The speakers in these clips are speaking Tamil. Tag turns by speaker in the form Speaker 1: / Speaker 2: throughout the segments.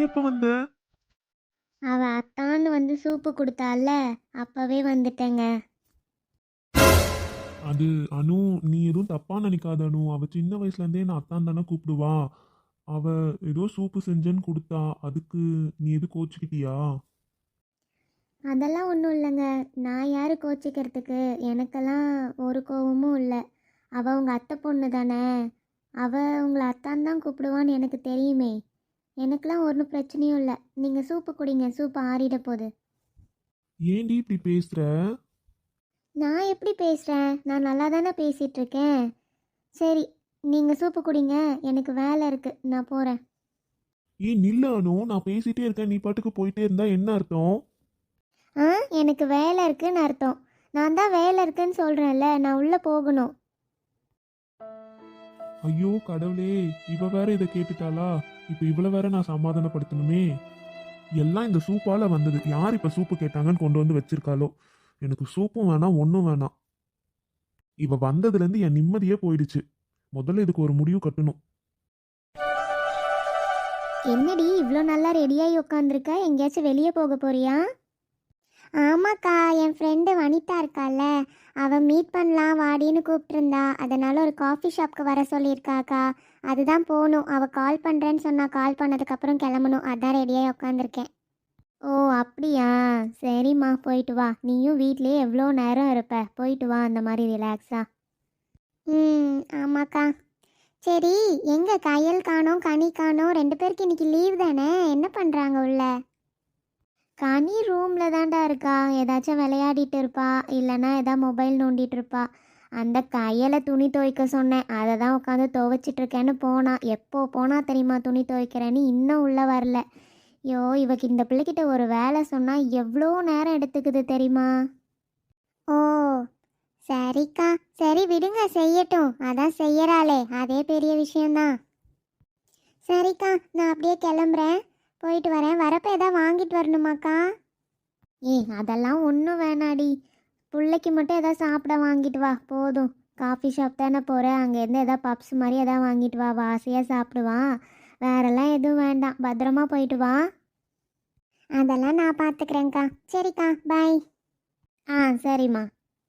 Speaker 1: எப்ப வந்த?
Speaker 2: அவ அத்தான்னு வந்து சூப்பு கொடுத்தால, அப்பவே வந்துட்டேங்க.
Speaker 1: அது அனு, நீ எதுவும் தப்பா நினைக்காத அனு. அவ சின்ன வயசுல இருந்தே நான் அத்தான் தானே கூப்பிடுவா. அவ ஏதோ சூப்பு செஞ்சேன்னு கொடுத்தா, அதுக்கு நீ எது கோச்சுக்கிட்டியா?
Speaker 2: அதெல்லாம் ஒன்றும் இல்லைங்க. நான் யார் கோச்சிக்கிறதுக்கு? எனக்கெல்லாம் ஒரு கோவமும் இல்லை. அவள் உங்கள் அத்தை பொண்ணு தானே. அவள் உங்களை அத்தான் தான் கூப்பிடுவான்னு எனக்கு தெரியுமே. எனக்கெல்லாம் ஒன்றும் பிரச்சனையும் இல்லை. நீங்கள் சூப்பு குடிங்க, சூப்பு ஆறிட போகுது.
Speaker 1: ஏன்டி இப்படி பேசுற?
Speaker 2: நான் எப்படி பேசுகிறேன்? நான் நல்லா தானே பேசிகிட்டு இருக்கேன். சரி, நீங்கள் சூப்பு குடிங்க. எனக்கு வேலை இருக்குது, நான் போகிறேன்.
Speaker 1: ஏன் நில்ல அனு, நான் பேசிட்டே இருக்கேன், நீ பாட்டுக்கு போயிட்டே இருந்தா என்ன அர்த்தம்?
Speaker 2: ஆ, எனக்கு வேலை இருக்குன்னு அர்த்தம். நான் தான் வேலை இருக்குன்னு சொல்கிறேன்ல, நான் உள்ளே போகணும்.
Speaker 1: ஐயோ கடவுளே, இவ வேற இதை கேட்டுட்டாளா? இப்ப இவள வேற நான் சமாதானப்படுத்தணுமே. எல்லாம் இந்த சூப்பால வந்தது. யார் இப்ப சூப்பு கேட்டாங்கன்னு கொண்டு வந்து வச்சிருக்காளோ? எனக்கு சூப்பும் வேணாம், ஒன்றும் வேணாம். இவ வந்ததுல இருந்து என் நிம்மதியே போயிடுச்சு. முதல்ல இதுக்கு ஒரு முடிவு கட்டணும்.
Speaker 2: என்னடி இவ்வளோ நல்லா ரெடியாகி உட்காந்துருக்க? எங்கேயாச்சும் வெளியே போக போறியா? ஆமாக்கா, என் ஃப்ரெண்டு வனிதா இருக்கால, அவள் மீட் பண்ணலாம் வாடின்னு கூப்பிட்டுருந்தா. அதனால் ஒரு காஃபி ஷாப்க்கு வர சொல்லியிருக்காக்கா. அதுதான் போகணும். அவள் கால் பண்ணுறேன்னு சொன்னா. கால் பண்ணதுக்கப்புறம் கிளம்பணும். அதான் ரெடியாகி உட்காந்துருக்கேன். ஓ அப்படியா? சரிம்மா, போயிட்டு வா. நீயும் வீட்லேயே எவ்வளோ நேரம் இருப்ப? போயிட்டு வா, அந்த மாதிரி ரிலாக்ஸா. ஆமாக்கா. சரி, எங்கே கையல் காணோம், கனி காணோம்? ரெண்டு பேருக்கு இன்னைக்கு லீவ் தானே? என்ன பண்ணுறாங்க உள்ள? கனி ரூமில் தான்டா இருக்கா. ஏதாச்சும் விளையாடிட்டு இருப்பா, இல்லைன்னா ஏதாவது மொபைல் நோண்டிட்டு இருப்பா. அந்த கையில் துணி துவைக்க சொன்னேன், அதை தான் உட்காந்து துவைச்சிட்ருக்கேன்னு போனா. எப்போ போனா தெரியுமா துணி துவைக்கிறேன்னு? இன்னும் உள்ளே வரல. ஐயோ, இவக்கு இந்த பிள்ளைகிட்ட ஒரு வேலை சொன்னால் எவ்வளோ நேரம் எடுத்துக்குது தெரியுமா? ஓ சரிக்கா, சரி விடுங்க, செய்யட்டும். அதான் செய்யறாளே, அதே பெரிய விஷயம்தான். சரிக்கா, நான் அப்படியே கிளம்புறேன். போயிட்டு வரேன். வரப்போ எதாவது வாங்கிட்டு வரணுமாக்கா? அதெல்லாம் ஒன்றும் வேணாடி. பிள்ளைக்கு மட்டும் எதாவது சாப்பிட வாங்கிட்டு வா போதும். காஃபி ஷாப் தானே போகிறேன், அங்கேருந்து எதாவது பப்ஸ் மாதிரி எதாவது வாங்கிட்டு வா, வாசியாக சாப்பிடுவான். வேறெல்லாம் எதுவும் வேண்டாம். பத்திரமா போயிட்டு வா. அதெல்லாம் நான் பார்த்துக்கிறேங்க்கா. சரிக்கா, பாய். சரிம்மா.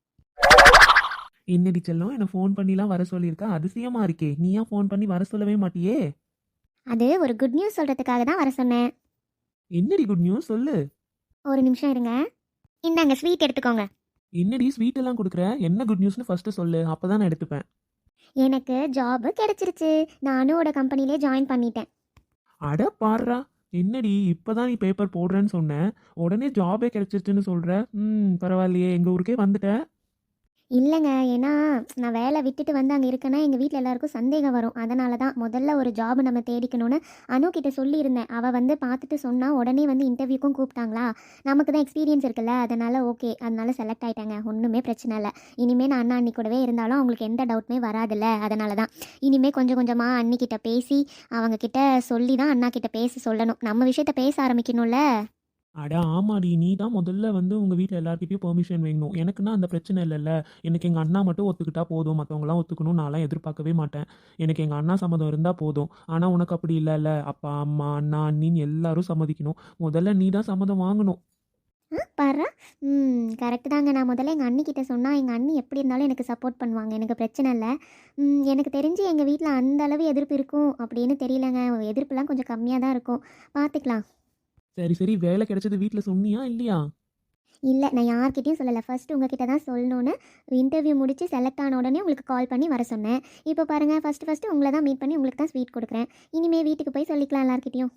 Speaker 1: என்னடி செல்லம், என்ன ஃபோன் பண்ணிலாம் வர சொல்லியிருக்கா? அதிசயமா இருக்கே. நீ ஏன் ஃபோன் பண்ணி வர சொல்லவே மாட்டியே?
Speaker 2: அது ஒரு குட் நியூஸ் சொல்கிறதுக்காக தான் வர சொன்னேன்.
Speaker 1: என்னடி குட் நியூஸ் சொல்லு.
Speaker 2: ஒரு நிமிஷம் இருங்க. இந்தாங்க ஸ்வீட் எடுத்துக்கோங்க.
Speaker 1: என்னடி ஸ்வீட் எல்லாம் கொடுக்குற? என்ன குட் நியூஸ்னு ஃபர்ஸ்ட் சொல்லு, அப்பதான் நான் எடுத்துப்பேன்.
Speaker 2: எனக்கு ஜாபு கிடைச்சிருச்சு. நானும் ஒரு கம்பெனிலே ஜாயின் பண்ணிட்டேன்.
Speaker 1: அட பாடுறா. என்னடி இப்பதான் நீ பேப்பர் போடுறேன்னு சொன்ன, உடனே ஜாபே கிடைச்சிருச்சுன்னு சொல்ற. பரவாயில்லையே, எங்க ஊருக்கே வந்துட்ட.
Speaker 2: இல்லைங்க, ஏன்னா நான் வேலை விட்டுட்டு வந்து அங்கே இருக்கேன்னா எங்கள் வீட்டில் எல்லாருக்கும் சந்தேகம் வரும். அதனால தான் முதல்ல ஒரு ஜாப் நம்ம தேடிக்கணும்னு அனுக்கிட்ட சொல்லியிருந்தேன். அவள் வந்து பார்த்துட்டு சொன்னால் உடனே வந்து இன்டர்வியூக்கும் கூப்பிட்டாங்களா. நமக்கு தான் எக்ஸ்பீரியன்ஸ் இருக்குல்ல, அதனால் ஓகே, அதனால செலக்ட் ஆகிட்டாங்க. ஒன்றுமே பிரச்சனை இல்லை. இனிமேல் நான் அண்ணா அண்ணி கூடவே இருந்தாலும் அவங்களுக்கு எந்த டவுட்டுமே வராதில்ல. அதனால தான் இனிமேல் கொஞ்சம் கொஞ்சமாக அண்ணிக்கிட்ட பேசி அவங்கக்கிட்ட சொல்லி தான் அண்ணா கிட்ட பேச சொல்லணும். நம்ம விஷயத்த பேச ஆரம்பிக்கணும்ல.
Speaker 1: அட ஆமாடி, நீ தான் முதல்ல வந்து உங்கள் வீட்டில் எல்லாருக்கிட்டையும் பெர்மிஷன் வேணும். எனக்குன்னா அந்த பிரச்சனை இல்லைல்ல. எனக்கு எங்கள் அண்ணா மட்டும் ஒத்துக்கிட்டா போதும், மற்றவங்களாம் ஒத்துக்கணும் நான்லாம் எதிர்பார்க்கவே மாட்டேன். எனக்கு எங்கள் அண்ணா சம்மதம் இருந்தால் போதும். ஆனால் உனக்கு அப்படி இல்லைல்ல. அப்பா அம்மா அண்ணா அண்ணின்னு எல்லாரும் சம்மதிக்கணும். முதல்ல நீ தான் சம்மதம் வாங்கணும்.
Speaker 2: பாரு. கரெக்டு தாங்க. நான் முதல்ல எங்கள் அண்ணிக்கிட்ட சொன்னால் எங்கள் அண்ணி எப்படி இருந்தாலும் எனக்கு சப்போர்ட் பண்ணுவாங்க. எனக்கு பிரச்சனை இல்லை. எனக்கு தெரிஞ்சு எங்கள் வீட்டில் அந்த அளவு எதிர்ப்பு இருக்கும் அப்படின்னு தெரியலங்க. எதிர்ப்புலாம் கொஞ்சம் கம்மியாக தான் இருக்கும். பார்த்துக்கலாம்.
Speaker 1: சரி சரி, வேலை கிடைச்சது வீட்டில் சொன்னியா இல்லையா?
Speaker 2: இல்லை, நான் யார்கிட்டையும் சொல்லலை. ஃபஸ்ட்டு உங்ககிட்ட தான் சொல்லணுன்னு இன்டர்வியூ முடித்து செலக்ட் ஆன உடனே உங்களுக்கு கால் பண்ணி வர சொன்னேன். இப்போ பாருங்கள், ஃபஸ்ட்டு உங்களை தான் மீட் பண்ணி உங்களுக்கு தான் ஸ்வீட் கொடுக்குறேன். இனிமேல் வீட்டுக்கு போய் சொல்லிக்கலாம் எல்லார்கிட்டையும்.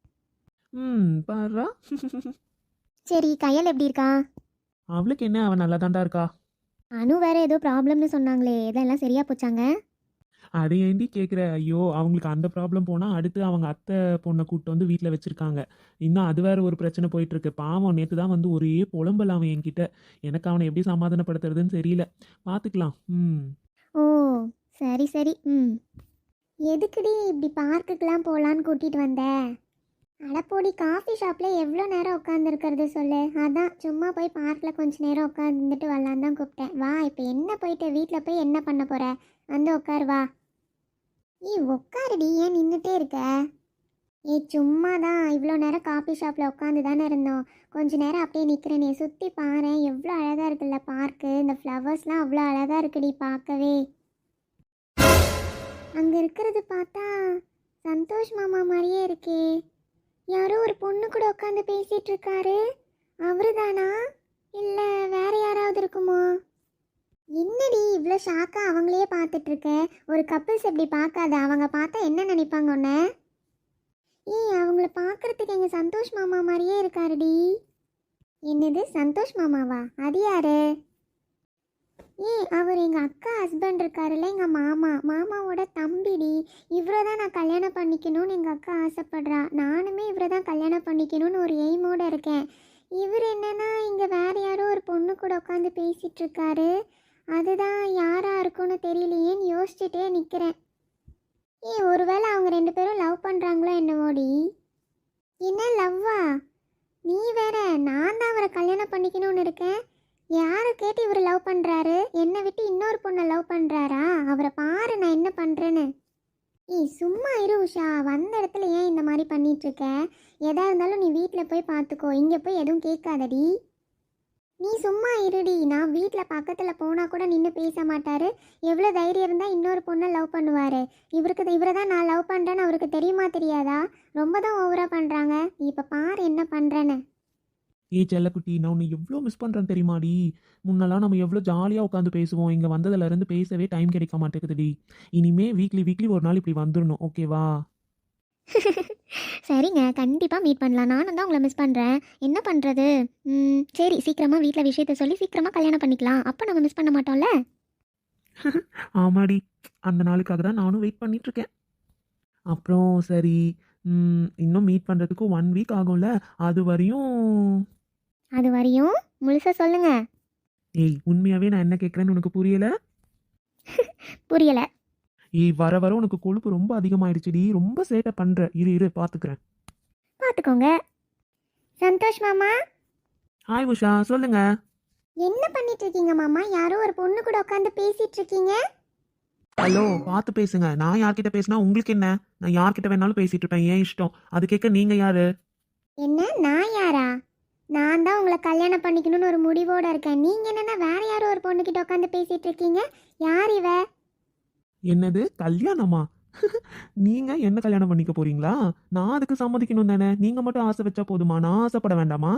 Speaker 1: பாரா.
Speaker 2: சரி, கையல் எப்படி இருக்கா?
Speaker 1: அவளுக்கு என்ன, அவன் நல்லா தாண்டா இருக்கா.
Speaker 2: அனு வேறு ஏதோ ப்ராப்ளம்னு சொன்னாங்களே, இதெல்லாம் சரியாக போச்சாங்க?
Speaker 1: அதை ஏண்டி கேட்குற? ஐயோ, அவங்களுக்கு அந்த ப்ராப்ளம் போனால் அடுத்து அவங்க அத்தை பொண்ணை கூப்பிட்டு வந்து வீட்டில் வச்சுருக்காங்க. இன்னும் அது வேறு ஒரு பிரச்சனை போயிட்டுருக்கு. பாவம், நேற்று தான் வந்து ஒரே புலம்பல் அவன் என்கிட்ட. எனக்கு அவனை எப்படி சமாதானப்படுத்துறதுன்னு தெரியல. பார்த்துக்கலாம்.
Speaker 2: ஓ சரி சரி. எதுக்குடி இப்படி பார்க்குக்கெலாம் போகலான்னு கூட்டிகிட்டு வந்த? அடப்போடி, காஃபி ஷாப்பில் எவ்வளோ நேரம் உட்காந்துருக்கிறது சொல்லு. அதான் சும்மா போய் பார்க்கில் கொஞ்சம் நேரம் உட்காந்துட்டு வரலான்னு தான் கூப்பிட்டேன். வா, இப்போ என்ன போயிட்டு வீட்டில் போய் என்ன பண்ண போகிற? வந்து உட்காரு வா. உட்காருடி, ஏன் நின்றுட்டே இருக்க? சும்மா தான் இவ்வளோ நேரம் காஃபி ஷாப்பில் உட்காந்து தானே இருந்தோம். கொஞ்ச நேரம் அப்படியே நிற்கிறேனே, சுற்றி பாரேன் எவ்வளோ அழகாக இருக்குல்ல பார்க்கு. இந்த ஃப்ளவர்ஸ்லாம் அவ்வளோ அழகாக இருக்குடி பார்க்கவே. அங்கே இருக்கிறது பார்த்தா சந்தோஷ் மாமா மாதிரியே இருக்கே. யாரோ ஒரு பொண்ணு கூட உட்காந்து பேசிகிட்டு இருக்காரு. அவரு தானா இல்லை வேற யாராவது இருக்குமோ? என்னடி இவ்வளோ ஷாக்காக அவங்களையே பார்த்துட்டு இருக்க? ஒரு கப்பிள்ஸ் எப்படி பார்க்காத? அவங்க பார்த்தா என்ன நினைப்பாங்க உன்னை? அவங்கள பார்க்கறதுக்கு எங்கள் சந்தோஷ் மாமா மாதிரியே இருக்காருடி. என்னது சந்தோஷ் மாமாவா? அது யாரு? அவர் எங்கள் அக்கா ஹஸ்பண்ட் இருக்காருல்ல, எங்கள் மாமாவோட தம்பிடி. இவரை தான் நான் கல்யாணம் பண்ணிக்கணும்னு எங்கள் அக்கா ஆசைப்படுறா. நானுமே இவரை தான் கல்யாணம் பண்ணிக்கணும்னு ஒரு எய்மோடு இருக்கேன். இவர் என்னன்னா இங்கே வேற யாரோ ஒரு பொண்ணு கூட உட்காந்து பேசிகிட்டு இருக்காரு. அதுதான் யாராக இருக்கும்னு தெரியலையேன்னு யோசிச்சுட்டே நிற்கிறேன். ஒருவேளை அவங்க 2 பேரும் லவ் பண்ணுறாங்களோ என்னவோடி? என்ன லவ்வா? நீ வேற, நான் தான் அவரை கல்யாணம் பண்ணிக்கணும்னு இருக்கேன். யாரை கேட்டு இவர் லவ் பண்ணுறாரு? என்னை விட்டு இன்னொரு பொண்ணை லவ் பண்ணுறாரா? அவரை பாரு நான் என்ன பண்ணுறேன்னு. சும்மா இரு உஷா. வந்த இடத்துல ஏன் இந்த மாதிரி பண்ணிகிட்ருக்க? எதா இருந்தாலும் நீ வீட்டில் போய் பார்த்துக்கோ. இங்கே போய் எதுவும் கேட்காதடி. நீ சும்மா இருடி. நான் வீட்டில் பக்கத்தில் போனால் கூட நின்று பேச மாட்டார். எவ்வளோ தைரியம் இருந்தால் இன்னொரு பொண்ணை லவ் பண்ணுவார். இவரை தான் நான் லவ் பண்ணுறேன்னு அவருக்கு தெரியுமா தெரியாதா? ரொம்ப தான் ஓவராக பண்ணுறாங்க. இப்போ பாரு என்ன பண்ணுறேன்னு.
Speaker 1: செல்லக்குட்டி, நான் உன்னை எவ்வளோ மிஸ் பண்ணுறேன் தெரியுமாடி? முன்னெல்லாம் நம்ம எவ்வளோ ஜாலியாக உட்காந்து பேசுவோம். இங்கே வந்ததுலேருந்து பேசவே டைம் கிடைக்க மாட்டேங்குதுடி. இனிமே வீக்லி ஒரு நாள் இப்படி வந்துடணும், ஓகேவா?
Speaker 2: சரிங்க, கண்டிப்பாக மீட் பண்ணலாம். நானும் தான் உங்களை மிஸ் பண்ணுறேன். என்ன பண்ணுறது? சரி, சீக்கிரமாக வீட்டில் விஷயத்த சொல்லி சீக்கிரமாக கல்யாணம் பண்ணிக்கலாம். அப்போ நம்ம மிஸ் பண்ண மாட்டோம்ல.
Speaker 1: ஆமாடி, அந்த நாளுக்காக தான் நானும் வெயிட் பண்ணிகிட்ருக்கேன். அப்புறம் சரி, இன்னும் மீட் பண்ணுறதுக்கு 1 வீக் ஆகும்ல. அது
Speaker 2: வரையும் முழுசாக சொல்லுங்க.
Speaker 1: உண்மையாகவே நான் என்ன கேட்குறேன்னு உனக்கு புரியலை?
Speaker 2: புரியலை.
Speaker 1: வர உனக்கு கொழுப்பு ரொம்ப அதிகமாயிடுச்சுடி. ரொம்ப சேட்டை பண்ணுற. இரு பார்த்துக்கிறேன்.
Speaker 2: பார்த்துக்கோங்க. சந்தோஷ் மாமா.
Speaker 1: ஹாய் உஷா, சொல்லுங்க.
Speaker 2: என்ன பண்ணிட்டு இருக்கீங்க மாமா? யாரோ ஒரு பொண்ணு கூட உட்காந்து பேசிட்டு இருக்கீங்க.
Speaker 1: ஹலோ, பார்த்து பேசுங்க. நான் யார்கிட்ட பேசினா உங்களுக்கு என்ன? நான் யார்கிட்ட வேணாலும் பேசிட்டு இருப்பேன், ஏன் இஷ்டம். அது கேட்க நீங்க யாரு?
Speaker 2: என்ன நான் யாரா? நான் தான் உங்களை கல்யாணம் பண்ணிக்கணும்னு ஒரு முடிவோட இருக்கேன். நீங்க என்னன்னா வேற யாரோ ஒரு பொண்ணு கிட்ட உட்காந்து பேசிட்டு இருக்கீங்க. யார் இவ?
Speaker 1: என்னது கல்யாணமா? நீங்க என்ன கல்யாணம் பண்ணிக்க போறீங்களா? நான் அதுக்கு சம்மதிக்கணும் தானே? நீங்க மட்டும் ஆசை வச்சா போதுமா? நான் ஆசைப்பட வேண்டாமா?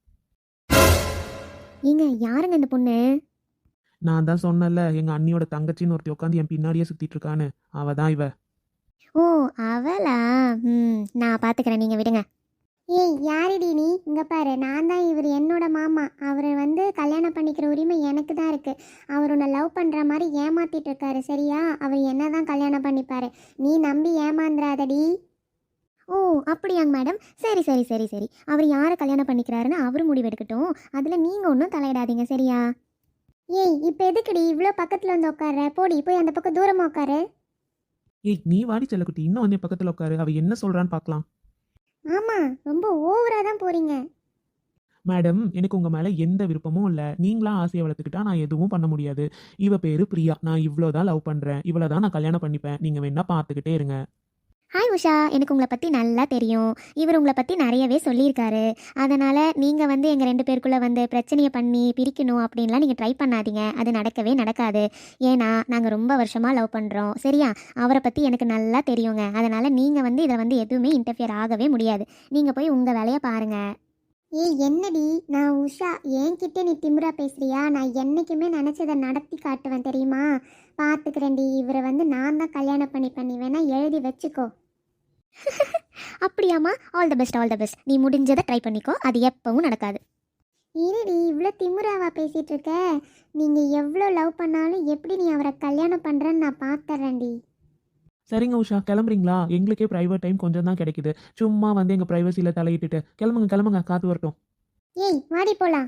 Speaker 2: யாருங்க இந்த பொண்ணு?
Speaker 1: நான் தான் சொன்னல, எங்க அண்ணியோட தங்கச்சின்னு ஒருத்தி உட்காந்து என் பின்னாடியே சுத்திட்டு இருக்கான்னு. அவ தான் இவ.
Speaker 2: ஓ, அவளா? நான் பாத்துக்கிறேன், நீங்க விடுங்க. யாருடி நீ? இங்க பாரு, நான் தான் இவர் என்னோட மாமா. அவரை கல்யாணம் பண்ணிக்கிற உரிமை எனக்கு தான் இருக்கு. அவர் உன்னை லவ் பண்ற மாதிரி ஏமாத்திட்டு இருக்காரு, சரியா? அவர் என்ன தான் கல்யாணம் பண்ணிப்பாரு. நீ நம்பி ஏமாந்துராதடி. ஓ, அப்படியாங்க மேடம். சரி சரி சரி சரி அவர் யாரை கல்யாணம் பண்ணிக்கிறாருன்னு அவர் முடிவெடுக்கட்டும். அதில் நீங்கள் ஒன்றும் தலையிடாதீங்க, சரியா? இப்போ எதுக்குடி இவ்வளோ பக்கத்தில் வந்து உட்கார? போடி, போய் அந்த பக்கம் தூரமாக உட்காரு.
Speaker 1: நீ வாடி செல்லக்குட்டி, இன்னும் வந்து பக்கத்தில் உட்காரு. அவ என்ன சொல்றான்னு பார்க்கலாம்.
Speaker 2: ஆமாம், ரொம்ப ஓவராக தான் போகிறீங்க.
Speaker 1: மேடம், எனக்கு உங்கள் மேலே எந்த விருப்பமும் இல்லை. நீங்களா ஆசையை வளர்த்துக்கிட்டா நான் எதுவும் பண்ண முடியாது. இவ பேர் பிரியா. நான் இவ்வளோதான் லவ் பண்ணுறேன். இவ்வளோ தான் நான் கல்யாணம் பண்ணிப்பேன். நீங்கள் வேணா பார்த்துக்கிட்டே இருங்க.
Speaker 2: ஹாய் உஷா, எனக்கு உங்களை பற்றி நல்லா தெரியும். இவர் உங்களை பற்றி நிறையவே சொல்லியிருக்காரு. அதனால் நீங்கள் எங்கள் 2 பேருக்குள்ளே பிரச்சனையை பண்ணி பிரிக்கணும் அப்படின்லாம் நீங்கள் ட்ரை பண்ணாதீங்க. அது நடக்கவே நடக்காது. ஏன்னா நாங்கள் ரொம்ப வருஷமாக லவ் பண்ணுறோம், சரியா? அவரை பற்றி எனக்கு நல்லா தெரியுங்க. அதனால் நீங்கள் இதில் எதுவுமே இன்டர்ஃபியர் ஆகவே முடியாது. நீங்கள் போய் உங்கள் வேலையை பாருங்கள். என்னடி நான் உஷா, என்கிட்ட நீ திமிரா பேசுறியா? நான் என்றைக்குமே நினச்சதை நடத்தி காட்டுவேன், தெரியுமா? பார்த்துக்கிறேன்டி. இவரை நான் தான் கல்யாணம் பண்ணிப்பேன். நீ வேணா எழுதி வச்சுக்கோ. அப்படியாம்மா? All the best, all the best. நீ முடிஞ்சதை ட்ரை பண்ணிக்கோ. அது எப்பவும் நடக்காது. இருடி, இவ்வளோ திமுறாவா பேசிகிட்டு இருக்க? நீங்கள் எவ்வளோ லவ் பண்ணாலும் எப்படி நீ அவரை கல்யாணம் பண்ணுறேன்னு நான் பார்த்துறேன்டி.
Speaker 1: சரிங்க உஷா, கிளம்புறீங்களா? எங்களுக்கே ப்ரைவேட் டைம் கொஞ்சம் தான் கிடைக்குது. சும்மா எங்கள் ப்ரைவசியில் தலையிட்டுட்டு கிளம்புங்க, காத்து வரட்டும்.
Speaker 2: வாடி போலாம்.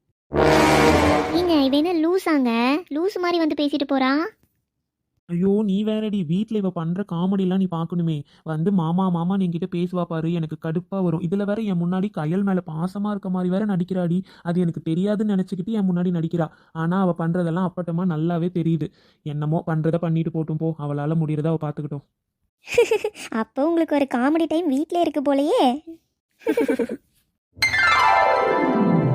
Speaker 2: இவ என்ன லூஸாங்க? லூஸ் மாதிரி பேசிட்டு போறா.
Speaker 1: ஐயோ, நீ வேறடி. வீட்டில் இவ பண்ணுற காமெடிலாம் நீ பார்க்கணுமே. மாமா என்கிட்ட பேசுவா பாரு, எனக்கு கடுப்பாக வரும். இதில் வேற என் முன்னாடி கையல் மேலே பாசமாக இருக்க மாதிரி வேற நடிக்கிறாடி. அது எனக்கு தெரியாதுன்னு நினச்சிக்கிட்டு என் முன்னாடி நடிக்கிறா. ஆனால் அவள் பண்ணுறதெல்லாம் அப்பட்டமாக நல்லாவே தெரியுது. என்னமோ பண்ணுறத பண்ணிட்டு போட்டும் போ. அவளால் முடியறத அவள் பார்த்துக்கிட்டோம்.
Speaker 2: அப்போ உங்களுக்கு ஒரு காமெடி டைம் வீட்டிலே இருக்கு போலயே.